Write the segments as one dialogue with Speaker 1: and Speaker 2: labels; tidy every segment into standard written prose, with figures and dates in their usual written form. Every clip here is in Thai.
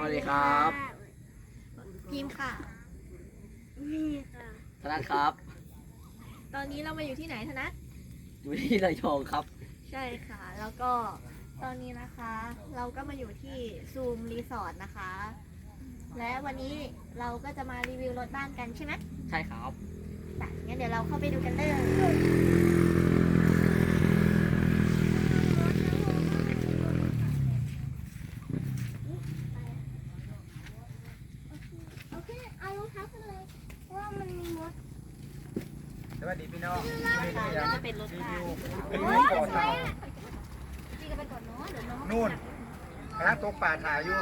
Speaker 1: วัสดีครับ
Speaker 2: พิมค่ะ
Speaker 3: นี่ค่ะ
Speaker 1: ธนัทครับ
Speaker 2: ตอนนี้เรามาอยู่ที่ไหนธนัท
Speaker 1: อยู่ที่ระยองครับ
Speaker 2: ใช่ค่ะ แล้วก็ตอนนี้นะคะ เราก็มาอยู่ที่ซูมรีสอร์ทนะคะ และวันนี้เราก็จะมารีวิวรถบ้านกันใช่ไหม
Speaker 1: ใช่ครับ
Speaker 2: แต่งั้นเดี๋ยวเราเข้าไปดูกันเลย
Speaker 3: โอเคเอารองเท้ากันเลยเพราะว่ามันมีมด
Speaker 4: สวัสดีพี่น้อง
Speaker 2: ค่ะก็จะเป็นรถบ้าน
Speaker 4: รีวิวก่อนเรา
Speaker 2: พี่ก็ไปก่อนเนาะเดี๋ยวน้อง
Speaker 4: นู่นกำลังตกป่าถ่ายอยู่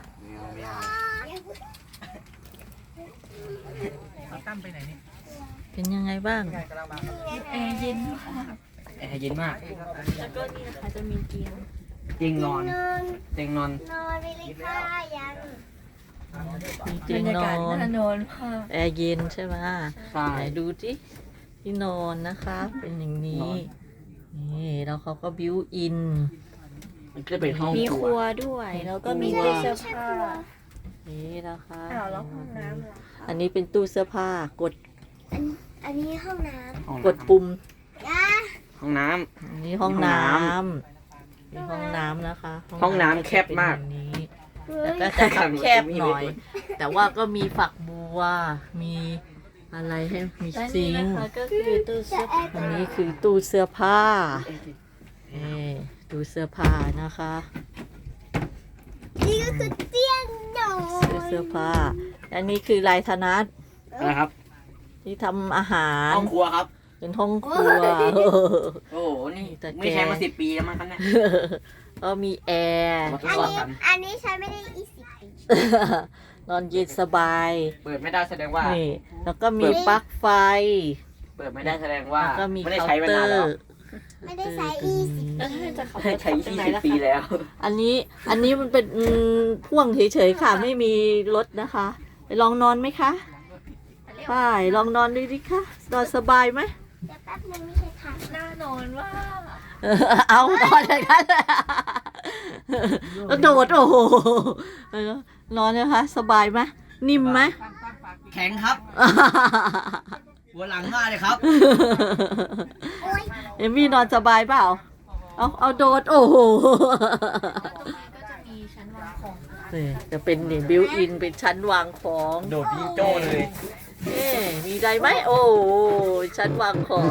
Speaker 4: เอาตั้มไปไหนนี่
Speaker 5: เป็นยังไงบ้าง
Speaker 4: ไงกำลังมาครับ
Speaker 2: แอร์เย็น
Speaker 1: แอร์เย็นมาก
Speaker 2: แล้วก็นี่นะคะจะมีเตียง
Speaker 1: เตียงนอน
Speaker 3: นอน
Speaker 1: เตียงนอน
Speaker 3: นอนไปเลยค่ะยัง
Speaker 5: มีเตียงนอนแอร์เย็นใช่ไหม
Speaker 1: ใช่
Speaker 5: ไหนดูที่ที่นอนนะคะ เป็นอย่างนี้นี่แล้วเขาก็บิวอิน
Speaker 1: มันก็เป็นห้อง
Speaker 2: มี
Speaker 1: ค
Speaker 2: ค
Speaker 1: รั
Speaker 2: รั
Speaker 1: ว
Speaker 2: วด้วย แล้วก็มี
Speaker 5: ครัว
Speaker 2: ตู้เสื้อผ้า
Speaker 5: นี่นะคะ
Speaker 2: อ้าวแล้วห้องน้ำล่ะ
Speaker 5: อันนี้เป็นตู้เสื้อผ้ากด
Speaker 3: อันนี้ห้องน้
Speaker 1: ห้อง
Speaker 5: ก
Speaker 1: น้
Speaker 5: ดปุ่ม
Speaker 3: ำย่า
Speaker 1: ำห้องน้
Speaker 5: อันนี้ห้องน้
Speaker 1: ห้องน้
Speaker 5: ำนี่ห้องน้ำนะคะ
Speaker 1: ห้องน้ำแคบมาก
Speaker 5: เป็นอย่างนี้
Speaker 3: เฮ้
Speaker 5: แต่
Speaker 3: ย
Speaker 5: ก็จะแคบๆหน่อย แต่ว่าก็มีฝักบัว มีอะไรให้มี
Speaker 2: และ
Speaker 5: ซิ
Speaker 2: นี่
Speaker 5: ง
Speaker 2: นะ
Speaker 5: ค์
Speaker 2: คะก็คือตู้เสื้อผ้า
Speaker 5: อันนี้คือตู้เสื้อผ้านี่ตู้เสื้อผ้านะคะ
Speaker 3: นี่ก็คือเตียงนอน
Speaker 5: เสื้อผ้า อันนี้คือลายธนัท
Speaker 1: ำนะครับ
Speaker 5: ที่ทำอาหาร
Speaker 1: ห้องครัวครับ
Speaker 5: เป็นห้องครัว
Speaker 1: โอ้โห นี่
Speaker 5: แต่แก
Speaker 1: ไม่ใช้มา10 ปีแล้วมั้งครับเนี่ย
Speaker 5: ก็มีแอร์
Speaker 1: มาทด
Speaker 3: อัน
Speaker 1: สอบ
Speaker 3: นี้
Speaker 1: กัน
Speaker 3: อันนี้ใช้ไม่ได้20 ปี
Speaker 5: นอนเย็นสบาย
Speaker 1: เปิดไม่ได้แสดงว่า
Speaker 5: นี่แล้วก็มีปลั๊กไฟ
Speaker 1: เปิดไม่ได้แสดงว่า
Speaker 5: แล้วก็มี
Speaker 1: ไม่ได้
Speaker 5: เคา
Speaker 1: ใช้
Speaker 5: น์
Speaker 1: มา
Speaker 5: เตอน
Speaker 1: านแล้ว
Speaker 5: ร์
Speaker 3: ไม่ได้ใช้20
Speaker 2: แล้วถ้าจะขับรถ
Speaker 1: ใช้
Speaker 2: ทางไหนล่ะ
Speaker 1: 20 ปี
Speaker 2: คะ
Speaker 1: แล้ว
Speaker 5: อันนี้มันเป็นพ่วงเฉยๆค่ะ ไม่มีรถนะคะไปลองนอนไหมคะใช่ลองนอนดูดิคะนอนสบายไหม
Speaker 3: เดี๋ยวแป๊บนึงไม่ใช่ค่ะ
Speaker 2: น่านอนว่า
Speaker 5: เอานอนอย่างนั้นเลยแล้วโดดโอ้โหนอนนะคะ สบายไหมนิ่มไหม
Speaker 1: แข็งครับ หัวหลังมากเลยครับ
Speaker 3: โอ๊ย
Speaker 5: เอมี่นอนสบายเปล่า เอาโดด โอ้โห
Speaker 2: ก็จะมีชั้นวางของ
Speaker 5: นี่จะเป็นนี่บิวอินเป็นชั้นวางของ
Speaker 4: โดดยิงโจ้เลย
Speaker 5: เอ๊ะมีอะไรไหมโอ้โหชั้นวางของ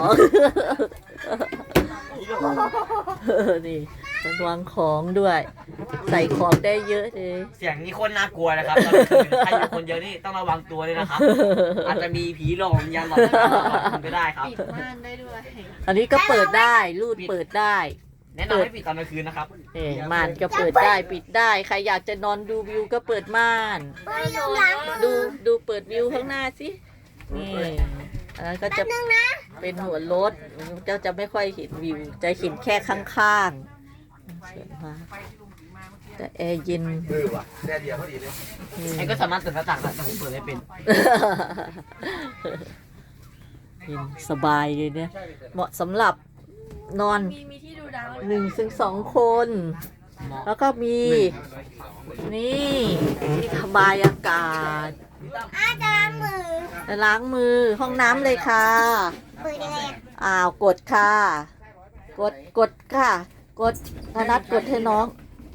Speaker 5: นี่ชั้นวางของด้วย ใส่ของได้เยอะเลย
Speaker 1: เสียงนี้โคนน่ากลัวนะครับตอนกลางคืนใครอยู่คนเดียวนี่ต้องระวังตัวเลยนะครับ อาจจะมีผีหลอกวิญญาณหลอกคุณก็ได้ครับ
Speaker 2: ปิดม่านได้ด้วย
Speaker 5: อันนี้ก็เปิดได้รูดเปิดได้
Speaker 1: แนะนำให้ปิดตอนกลางคืนนะครับ
Speaker 5: นี่ม่านก็เปิดได้ปิดได้ ใครอยากจะนอนดูวิวก็เปิดม่าน
Speaker 3: โอ๊ยลืมล้างมือ
Speaker 5: ดูเปิดวิวข้างหน้าสิ นี่อันนั้นก็จะ
Speaker 3: นึงนะ
Speaker 5: เป็นหัวรถจะไม่ค่อยเห็นวิว จะเห็นแค่ข้างๆสวยมากแต่แอร์เย็น
Speaker 4: ว่ะแดดเดียวพอดีเลย
Speaker 1: ไอ้ก็สามารถเปิดหน้าต่างได้แต่ผมเปิดไม่เป็น
Speaker 5: เย็นสบายเลยเนี่ย เหมาะสำหรับนอน
Speaker 2: มีที่ดูดาว
Speaker 5: 1 ถึง 2 คน แล้วก็มี นี่ที่ระบายอากาศ
Speaker 3: จะล้างมือ
Speaker 5: จะล้างมือห้องน้ำเลยค่ะ
Speaker 3: เปิดยังไงอะ
Speaker 5: อ้าวกดค่ะ กดค่ะ กดธนัทกดให้น้อง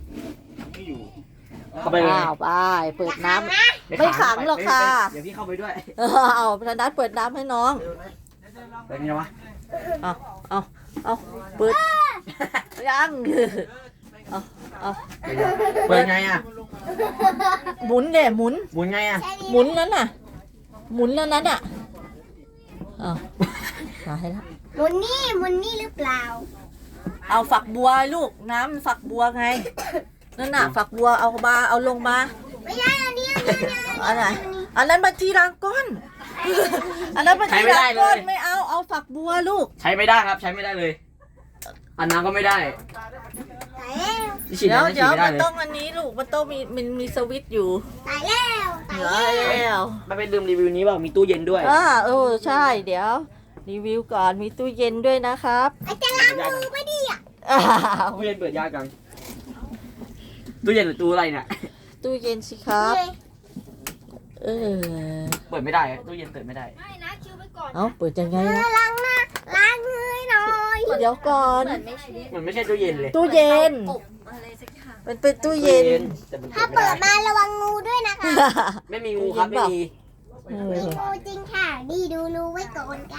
Speaker 1: เข้าไปเลย
Speaker 5: อ้าวไปเปิดน้ำ ไม่ขังหรอกค่ะ
Speaker 1: เดี๋ยวพี่เข้าไปด้วย
Speaker 5: เอาธนัทเปิดน้ำให้น้อง
Speaker 1: เป็นไงวะ
Speaker 5: เอาเปิดยังเอา
Speaker 1: เปิดไงอ่ะ
Speaker 5: หมุนเด้หมุน
Speaker 1: หมุนไงอ่ะ
Speaker 5: หมุนนั้นน่ะ หมุนนั้นน่ะเอาหาให้ละ
Speaker 3: หมุนนี่หรือเปล่า
Speaker 5: เอาฝักบัวลูกน้ำฝักบัวไงนั่นน่ะฝักบัวเอาลงมา
Speaker 3: ไม่ใช่อันนี้อันนี้
Speaker 5: อันไหนอันนั้นบัญชีรางก้อนอันนั้นบัญชีรางก้อนไม่เอาฝักบัวลูก
Speaker 1: ใช้ไม่ได้ครับ ใช้ไม่ได้เลย อันน้ำก็ไม่ได้
Speaker 3: ตายแล้ว
Speaker 1: ที่ฉีด
Speaker 5: เดี๋ยว
Speaker 1: น้ำฉี
Speaker 5: เดี๋
Speaker 1: ด
Speaker 5: ยว
Speaker 1: ไม่ได้
Speaker 5: มัน
Speaker 1: เลย
Speaker 5: ต้องอันนี้ลูกมันต้องมีสวิตช์อยู่
Speaker 3: ตายแล้วตาย
Speaker 5: เดี๋ยว
Speaker 3: แล้ว
Speaker 5: แล้ว
Speaker 1: ไม่เป็นลืมรีวิวนี้เปล่ามีตู้เย็นด้วย
Speaker 5: ใช่เดี๋ยวรีวิวก่อนมีตู้เย็นด้วยนะครับ
Speaker 3: ไอ้จะล้างมือไม่ดีอ่ะ
Speaker 5: อ้าว
Speaker 1: ตู้เย็นเปิดยากจังตู้เย็นหรือตู้อะไรเนี่ย
Speaker 5: ตู้เย็นสิครับ เออ
Speaker 1: เปิดไม่ได้ตู้เย็นเปิดไม่ได้
Speaker 3: ไม่นะคิวไปก่อน
Speaker 5: เอาเปิดยังไงนะ
Speaker 3: ล้างหน้าล้างมือหน่อย
Speaker 5: เดี๋ยวก่อน
Speaker 1: มันไม่ใช่ตู้เย็นเลย
Speaker 5: ตู้เย็น
Speaker 2: อบอะไรสักอย่าง
Speaker 5: มันเป็นตู้เย็น
Speaker 1: แต่มัน
Speaker 3: ถ้า
Speaker 1: เปิดไม่
Speaker 3: เปิ
Speaker 1: ได้
Speaker 3: ดมาระวังงูด้วยนะคะ
Speaker 1: ไม่มีงูครับไม่มี
Speaker 5: เอ
Speaker 3: มี
Speaker 5: อ
Speaker 3: งูจริงค่ะดีดูรูไว้ก่อนกัน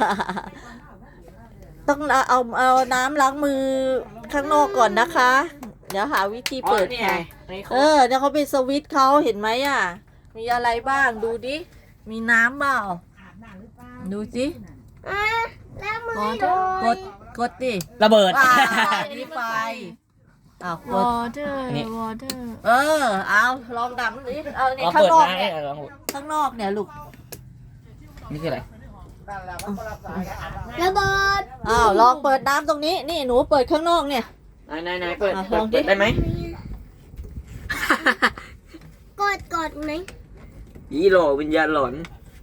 Speaker 5: ต้องเอาน้ำล้างมือข้างนอกก่อนนะคะ เดี๋ยวหาวิธีเปิด
Speaker 1: นี่ไง
Speaker 5: ค่ะ
Speaker 1: นี่เขา
Speaker 5: เออเดี๋ยวเขาเป็นสวิตช์เขาเห็นไหมอ่ะ มีอะไรบ้างดูดิ มีน้ำเปล่า ดูสิ
Speaker 3: อ่ะแล้วมือ
Speaker 5: อ๋อ
Speaker 3: หน่อย
Speaker 5: กดดิ
Speaker 1: ระเบิด
Speaker 5: ว้าวนี่ไฟอ้าวกด
Speaker 2: water
Speaker 1: อันนี้
Speaker 2: water
Speaker 5: เออ เอาลองดำดิเอาเนี่ย
Speaker 1: เรา
Speaker 5: ข้าง
Speaker 1: เปิด
Speaker 5: นอก
Speaker 1: นะ
Speaker 5: เนี่ย
Speaker 1: ลอง
Speaker 5: ข้างนอกเนี่ยลูก
Speaker 1: นี่คืออะไร
Speaker 3: ระเบิด
Speaker 5: อ้าวลองเปิดน้ำตรงนี้ นี่หนูเปิดข้างนอกเนี่ย
Speaker 1: ไหนเปิด
Speaker 5: อ่ะ
Speaker 1: เปิ
Speaker 5: ล
Speaker 1: ด
Speaker 5: องดิ
Speaker 1: เปิดได้ไหม
Speaker 3: กดไหม
Speaker 1: ยี่โหลวิญญาณหลอน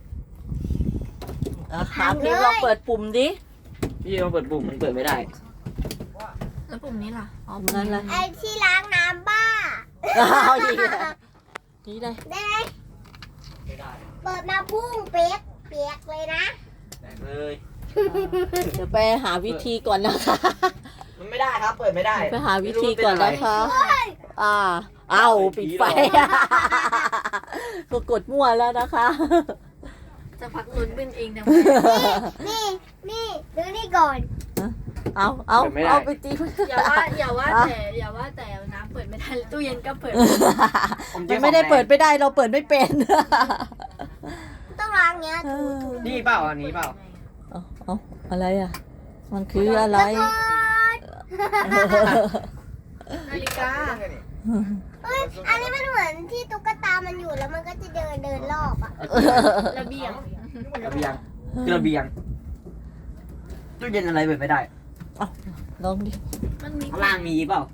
Speaker 5: อ่ะถามพิมพ์ลองเปิดปุ่มดิ
Speaker 1: พี่ลองเปิดปุ่มมันเปิดไม่ได้
Speaker 2: แล้วปุ่มนี้ล่ะอ๋อ
Speaker 5: ปุ่มนั้นเลย
Speaker 3: ไอ้ที่ล้างน้ำบ้า
Speaker 5: เอาอีกแล้วนี่เลย
Speaker 3: ได้ไหมเปิดมาพุ่งเปียกเลยนะ
Speaker 1: เลย
Speaker 5: เดี๋ยวไปหาวิธีก่อนนะคะ
Speaker 1: มันไม่ได้ครับ เปิดไม่ได้
Speaker 5: ไปหาวิธีก่อนนะคะ เอาปิดไฟก็กดมั่วแล้วนะคะ
Speaker 2: จะพักลุ้นเป็นเองแต่
Speaker 3: นี่ดูนี่ก่อน
Speaker 5: เอาไปตี
Speaker 2: อย่าว่าแต่น้ำเปิดไม่ได้ตู้เย็นก็เปิด
Speaker 5: มันไม่ได้เปิดไม่ได้เราเปิดไม่เป็น
Speaker 3: ต้องล้างเงี้ยถู
Speaker 1: นี่เปล่าอันนี้เปล่า
Speaker 5: เอาอะไรอ่ะ มันคืออะไร
Speaker 2: นาฬิกา
Speaker 3: เฮ้ยอันนี้มันเหมือนที่ตุ๊กตามันอยู่แล้วมันก็จะเดินรอบอ่ะ
Speaker 2: ระเบียง
Speaker 1: ระเบียงคือระเบียงตู้เย็นอะไรเปิดไม่ได้
Speaker 5: ลองดิ
Speaker 2: มันมี
Speaker 1: ข้างล่างมีเปล่า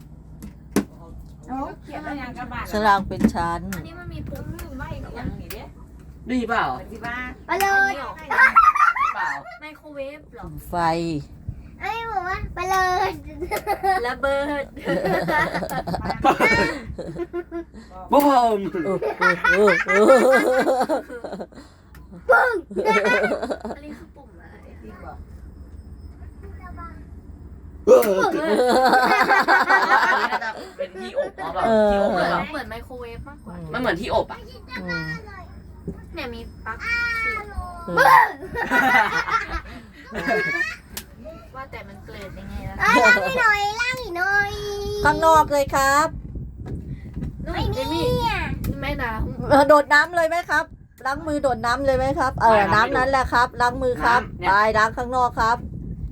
Speaker 5: สลางเป็นชั้น
Speaker 2: อันนี้มันมีปุ่มไม่อย่างนี้เด้
Speaker 1: นี่เปล่า
Speaker 3: ไปเลย
Speaker 1: เปล่า
Speaker 2: ไมโครเวฟหรอ
Speaker 5: ไฟ
Speaker 3: ไอ้บอกว่าไปเลย
Speaker 2: ระเบิด
Speaker 1: บูม
Speaker 2: อันนี้คือปุ่มอะไร
Speaker 1: อันนี้น่าจะเป็นที่อบเปล่าที่อบ
Speaker 2: เห
Speaker 1: ห
Speaker 2: มื
Speaker 1: รือ อน เปล่า
Speaker 2: เหมือนไมโครเวฟมากกว่า
Speaker 1: มันเหมือนที่อบอ่ะ
Speaker 2: เนี่ยมีปลั๊กว่าแต่มันเกิดยังไงล่ะ
Speaker 3: ล้างให้หน่อยล้างอีกหน่อย
Speaker 5: ข้างนอกเลยครับ
Speaker 3: ไม่มีอ่ะ
Speaker 2: แม่น้
Speaker 5: โดดน้ำเลยไหมครับ ล้างมือโดดน้ำเลยไหมครับ น้ำนั้นแหละครับ ล้างมือครับ ไปล้างข้างนอกครับ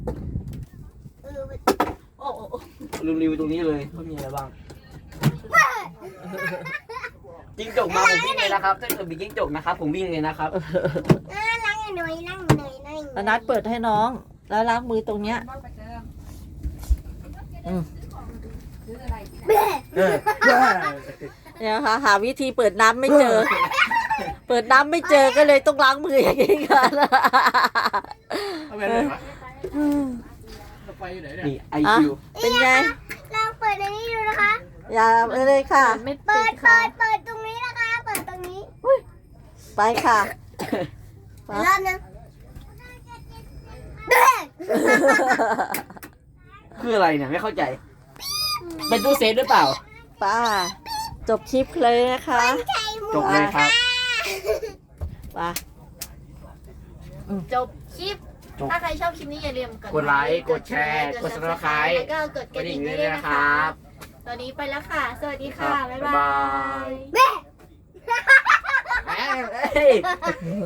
Speaker 2: ำโอ้โอ้
Speaker 1: รีวิวตรงนี้เลยว่ามีอะไรบ้างจิ้งจกมาผมวิ่งเลยนะครับถ้าเกิดมีจิ้งจกนะครับผมวิ่งเลยนะครับ
Speaker 3: ล้างอีกหน่อยล้างหน่อยหน่อย
Speaker 5: อนัดเปิดให้น้อง แล้วล้างมือตรงเนี้ย เนี่ยค่ะหาวิธีเปิดน้ำไม่เจอ เปิดน้ำไม่เจอก็เลยต้องล้างมืออย่างนี้กัน
Speaker 1: นี่ไอคิว
Speaker 5: เป็นไง
Speaker 3: ลองเปิดในนี้ดูนะคะ
Speaker 5: อย่าเลยค่ะ
Speaker 2: ไม่
Speaker 3: เปิ
Speaker 2: ติ
Speaker 3: ด
Speaker 2: ดค่ะ
Speaker 3: เปิดตรงนี้นะคะ เปิดตรงนี้
Speaker 5: ไปค่ะ
Speaker 3: รอบนึง
Speaker 1: คืออะไรเนี่ยไม่เข้าใจ เป็นตู้เซฟหรือเปล่า
Speaker 5: ป้า จบคลิปเลยนะคะ
Speaker 1: จบเลยครับ
Speaker 5: ป้า
Speaker 2: จบคลิป ถ้าใครชอบคลิปนี้อย่าลืม
Speaker 1: กดไลค์กดแชร์กด Subscribe
Speaker 2: แล้วก็กดกระดิ่งด้วยนะคะตอนนี้ไปแล้วค่ะ สวัสดีค่ะ บ๊ายบาย
Speaker 3: เบ้
Speaker 1: เอ้ย